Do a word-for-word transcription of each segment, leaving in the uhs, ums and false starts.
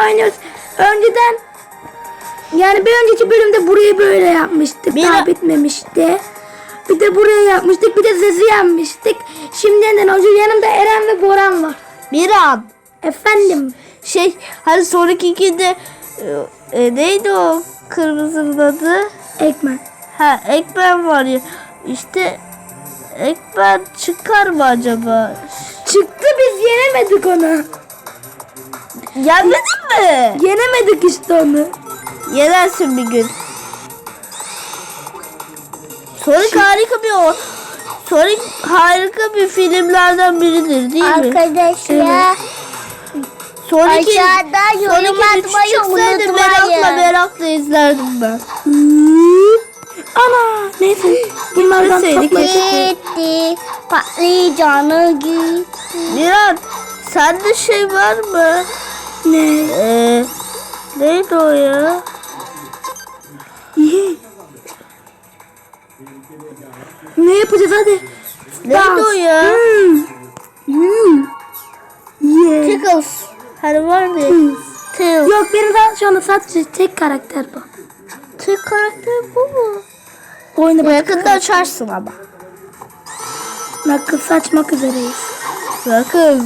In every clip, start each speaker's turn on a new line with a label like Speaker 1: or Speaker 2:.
Speaker 1: oynuyoruz. Önceden yani bir önceki bölümde burayı böyle yapmıştık.
Speaker 2: Bir
Speaker 1: Daha bitmemişti. Bir de buraya yapmıştık. Bir de sesi yapmıştık. Şimdiden hoca yanımda Eren ve Boran var.
Speaker 2: Miran.
Speaker 1: Efendim.
Speaker 2: Şey hani sonraki ikide e, e, neydi o kırmızının adı?
Speaker 1: Ekmen.
Speaker 2: Ha Ekmen var ya. İşte Ekmen çıkar mı acaba?
Speaker 1: Çıktı, biz yenemedik onu.
Speaker 2: Yenmedin mi?
Speaker 1: Yenemedik işte onu.
Speaker 2: Yenersin bir gün. Sonic harika bir o. Sonic harika bir filmlerden biridir değil mi?
Speaker 3: Arkadaşlar
Speaker 2: Sonic'in
Speaker 3: aşağıda yorum
Speaker 2: Sonic'in üçü
Speaker 3: atmayı
Speaker 2: çıksaydı
Speaker 3: unutmayın.
Speaker 2: merakla merakla izlerdim ben.
Speaker 1: Ana neyse. Bunlardan
Speaker 2: Gitmeseydik
Speaker 1: toplayacak.
Speaker 3: gitti patlıcanı gitti.
Speaker 2: Miran sende şey var mı?
Speaker 1: Ne?
Speaker 2: Ee, neydi o ya?
Speaker 1: İyi. Ne yapacağız hadi?
Speaker 2: Neydi o ya?
Speaker 1: Hmm. Hmm. Yeah.
Speaker 2: Tickles. Hani vardı ya.
Speaker 1: Hmm.
Speaker 2: Tails.
Speaker 1: Yok, benim daha şu anda sadece tek karakter bu.
Speaker 2: Tek karakter bu mu?
Speaker 1: Oyunu bak.
Speaker 2: Yakında açarsın ama.
Speaker 1: Nakıl saçmak üzereyiz.
Speaker 2: Sakız.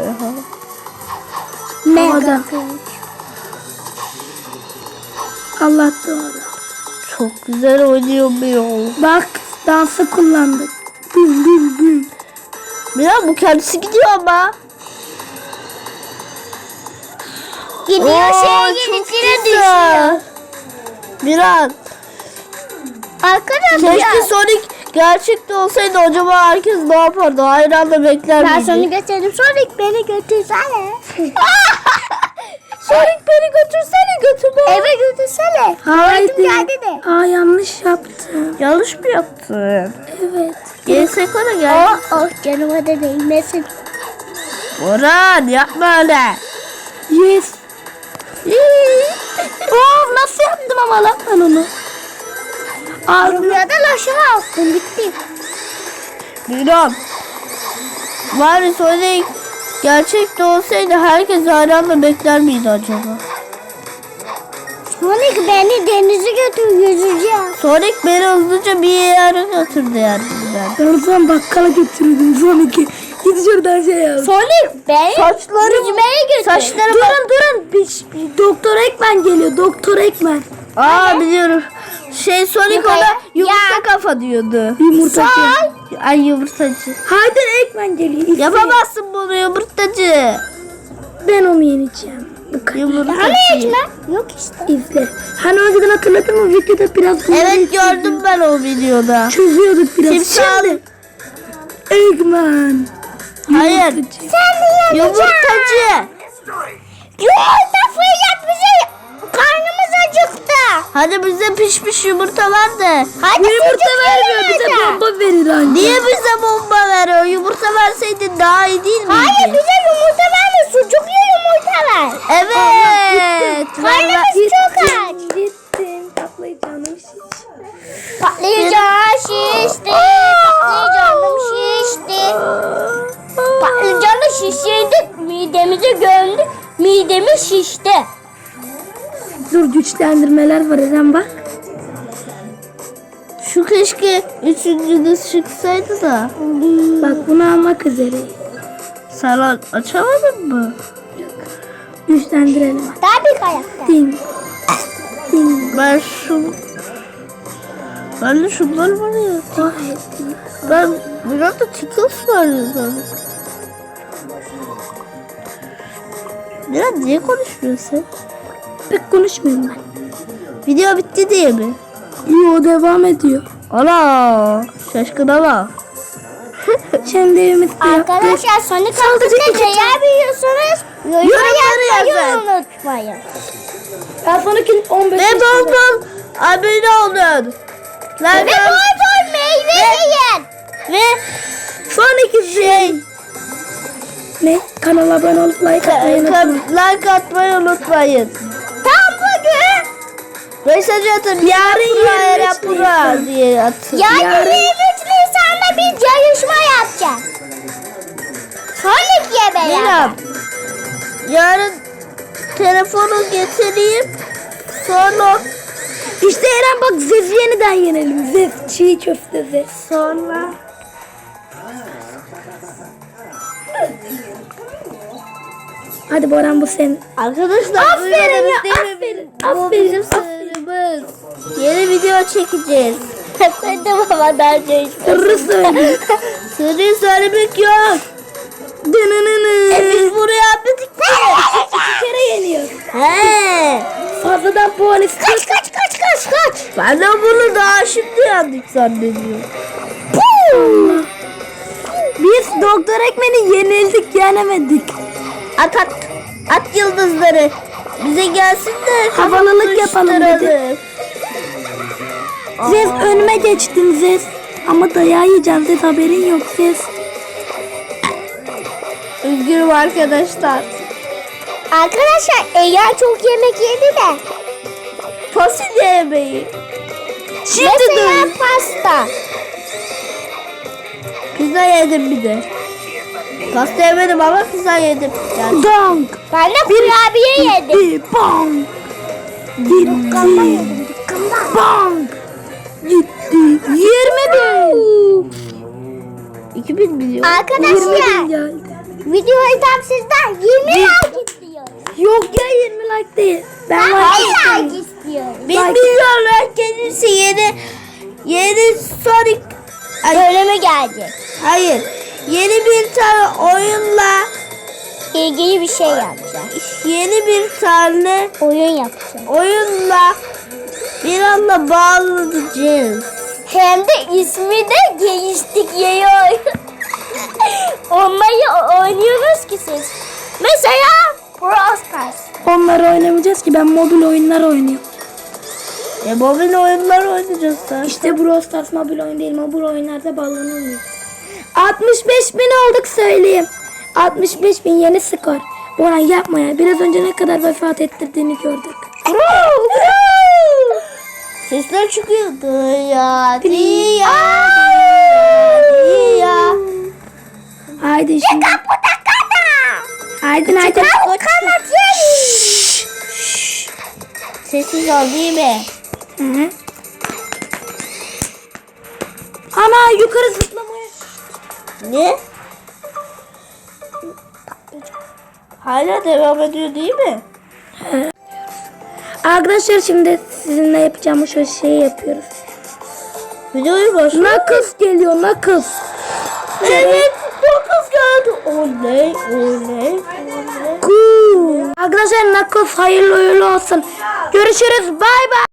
Speaker 1: Mega. Allah doğru.
Speaker 2: Çok güzel oynuyor bir yol.
Speaker 1: Bak, dansı kullandık. Büm büm büm.
Speaker 2: Miran bu kendisi gidiyor ama.
Speaker 3: Gidiyor
Speaker 2: Oo,
Speaker 3: şeye
Speaker 2: çok
Speaker 3: yenisine
Speaker 2: güzel.
Speaker 3: düşüyor.
Speaker 2: Miran.
Speaker 3: Arkadaşlar
Speaker 2: Keşke Sonic gerçekte olsaydı acaba herkes ne yapardı? Hayranla bekler
Speaker 3: ben
Speaker 2: miydi?
Speaker 3: seni götürdüm. Sonic beni götürsene.
Speaker 2: Sonic beni götürsene götürme.
Speaker 3: Eve götürsene.
Speaker 1: Haydi.
Speaker 3: Tuvaletim geldi de.
Speaker 1: Aa, yanlış yaptım.
Speaker 2: Yanlış mı yaptın?
Speaker 1: Evet.
Speaker 2: G S K'na gel.
Speaker 3: Oh oh canıma da değmesin.
Speaker 2: Orhan yapma öyle.
Speaker 1: Yes. Oh, nasıl yaptım ama lan ben onu. Ağzına
Speaker 3: Rüyadan aşağı attım bitti.
Speaker 2: Miran. Bari Sonic gerçekte olsaydı herkes hayranla bekler miydi acaba?
Speaker 3: Sonic beni denize götür yüzeceğim.
Speaker 2: Sonic beni hızlıca bir yere götürdü yani ben.
Speaker 1: ben o zaman bakkala götürdüm son iki. Git şuradan şey yap.
Speaker 3: Sonic beni
Speaker 2: Saçlarım-
Speaker 3: yüzmeye götür.
Speaker 2: Saçlarım
Speaker 1: Durun durun. Bir, bir Doktor Ekmen geliyor. Doktor Ekmen.
Speaker 2: Aa biliyorum. Şey Sonic
Speaker 3: Yukarı.
Speaker 2: ona yumurta
Speaker 3: Ya.
Speaker 2: kafa diyordu.
Speaker 1: Yumurtacı.
Speaker 2: Ay yumurtacı.
Speaker 1: Haydar Ekmen geliyor. İzle.
Speaker 2: Yapamazsın bunu yumurtacı.
Speaker 1: Ben onu yeneceğim. Bu kadar.
Speaker 2: Yumurtacı.
Speaker 3: Yok işte.
Speaker 1: İzle. Hani önceden hatırladın mı? Videoda biraz
Speaker 2: Evet gördüm ben o videoda.
Speaker 1: çözüyorduk biraz.
Speaker 2: Timsah.
Speaker 1: Şimdi Ekmen.
Speaker 2: Hayır.
Speaker 1: Yumurtacı.
Speaker 3: Sen de
Speaker 2: Yumurtacı.
Speaker 3: Yumurta fırlat bize. Karnımız acıktı.
Speaker 2: Hadi bize pişmiş yumurta ver de.
Speaker 3: Hadi
Speaker 1: Bu yumurta
Speaker 3: sucuk
Speaker 1: vermiyor.
Speaker 3: yiyelim
Speaker 1: Bize
Speaker 3: hadi.
Speaker 1: bomba verir anne.
Speaker 2: Niye bize bomba veriyor? Yumurta verseydin daha iyi değil miydi?
Speaker 3: Hayır bize yumurta verme. Sucuklu yumurta ver.
Speaker 2: Evet.
Speaker 3: Karnımız çok aç.
Speaker 1: Gittim. Patlayacağım şiş.
Speaker 3: Patlıcan şişti. Patlıcanım şişti. Patlıcanı şişirdik. Midemize gömdük. Midemiz şişti.
Speaker 1: Dur, güçlendirmeler var Eren bak.
Speaker 2: Şu keşke üçüncünüz çıksaydı da.
Speaker 1: Bak, bunu almak üzereyim.
Speaker 2: Sen a- açamadın mı?
Speaker 1: Güçlendirelim.
Speaker 3: Daha bir ayakta.
Speaker 1: Ding. Ding.
Speaker 2: Ben şu... Ben de şunlar var ya.
Speaker 1: Oh, ding.
Speaker 2: Ben biraz da Tickles var ya zaten. Biraz niye konuşmuyorsun?
Speaker 1: Pek konuşmuyorum ben.
Speaker 2: Video bitti diye mi?
Speaker 1: Yo, devam ediyor.
Speaker 2: Ana şaşkına bak.
Speaker 1: Şimdi evimiz de yaptık.
Speaker 3: Arkadaşlar Sonic hakkında neler biliyorsunuz?
Speaker 2: Yorumları
Speaker 3: Yorumları
Speaker 2: yazın.
Speaker 3: unutmayın.
Speaker 1: Ben sonraki on beş
Speaker 2: Ve bol bol abone olun.
Speaker 3: Ve
Speaker 2: Like
Speaker 3: bol bol meyve yiyin.
Speaker 2: ve sonraki şey
Speaker 1: Ne? Kanala abone olup like atmayı unutmayın.
Speaker 2: like atmayı unutmayın.
Speaker 3: Tam bugün.
Speaker 2: Mesaj atın. Yarın
Speaker 1: yirmi üç
Speaker 2: yapra diye atın.
Speaker 3: Yarın
Speaker 1: Yarın-
Speaker 3: yirmi üç Nisan'da biz yarışma yapacağız. Sonic ye beraber.
Speaker 2: Miran. Yarın telefonu getireyim. Sonra
Speaker 1: İşte Eren bak Zez'i yeniden yenelim. Zez çiğ köfte Zez.
Speaker 2: sonra
Speaker 1: Hadi Boran bu senin.
Speaker 2: arkadaşlar
Speaker 1: Aferin
Speaker 2: duymadınız
Speaker 1: ya,
Speaker 2: değil mi?
Speaker 1: aferin,
Speaker 2: Bu
Speaker 1: aferin,
Speaker 2: bizim sınırımız. Yeni video çekeceğiz.
Speaker 3: Ben de babadan şey
Speaker 1: Sırrı söyle.
Speaker 2: Sırrı söylemek yok.
Speaker 1: Dınınını.
Speaker 2: E biz buraya atladık ki.
Speaker 1: İki kere yeniyor.
Speaker 2: He.
Speaker 1: Fazladan puan istiyor.
Speaker 3: Kaç kaç kaç kaç kaç.
Speaker 2: Ben de bunu daha şimdi yandık zannediyorum.
Speaker 1: Biz Doktor Ekmen'i yenildik yenemedik.
Speaker 2: At at. At yıldızları. Bize gelsin de
Speaker 1: Havalılık yapalım dedi. Zez önüme geçtin Zez. Ama dayağı yiyeceğim Zez, haberin yok Zez.
Speaker 2: Üzgünüm arkadaşlar.
Speaker 3: Arkadaşlar Eyyar çok yemek yedi de.
Speaker 2: Fasulye yemeği.
Speaker 1: Şimdi
Speaker 3: Mesela
Speaker 1: dön.
Speaker 3: pasta.
Speaker 2: Pizza yedim bir de. Pasta yemedim ama pizza yedim. Yani
Speaker 1: Donk.
Speaker 3: Ben de kurabiye yedim.
Speaker 1: Gitti. Bonk. Gitti. Bonk. Gitti. Yirmi bin.
Speaker 2: iki bin milyon.
Speaker 1: Yirmi bin
Speaker 3: Arkadaşlar
Speaker 1: geldi.
Speaker 3: videoyu tam sizden yirmi like istiyoruz.
Speaker 1: Yok ya yirmi like değil. Ben
Speaker 3: Ben
Speaker 1: like
Speaker 3: on like istiyorum.
Speaker 2: Bir milyon kendisi yeni yeni Sonic. Ay,
Speaker 3: Söyleme gelecek.
Speaker 2: hayır. Yeni bir tane oyunla
Speaker 3: İlgili bir şey yapacağız.
Speaker 2: yeni bir tane
Speaker 3: Oyun yapacağız.
Speaker 2: oyunla bir anda bağlanacağız.
Speaker 3: Hem de ismi de geliştik yayı oyun. Onları oynuyoruz ki siz. Mesela Brawl Stars.
Speaker 1: Onları oynamayacağız ki, ben mobil oyunlar oynuyorum.
Speaker 2: E mobil oyunlar oynayacağız da.
Speaker 1: İşte Brawl Stars mobil oyun değil, mobil oyunlarda bağlanılmıyor. altmış beş bin olduk söyleyeyim. altmış beş bin yeni skor. Boran yapma ya, biraz önce ne kadar vefat ettirdiğini gördük.
Speaker 2: Sesler çıkıyor. Dıya diya diya.
Speaker 1: Haydi şimdi. Haydi haydi.
Speaker 2: Sessiz ol değil mi?
Speaker 1: Hı hı. Ana yukarı zıplamaya.
Speaker 2: Ne? Hala devam ediyor değil mi?
Speaker 1: Arkadaşlar şimdi sizinle yapacağımız şu şeyi yapıyoruz.
Speaker 2: Videoyu başla.
Speaker 1: Nakıs geliyor, nakıs.
Speaker 2: Evet, dokuz geldi. Oley, oley, oley.
Speaker 1: Cool. Arkadaşlar nakıs hayırlı uğurlu olsun. Görüşürüz. Bay bay.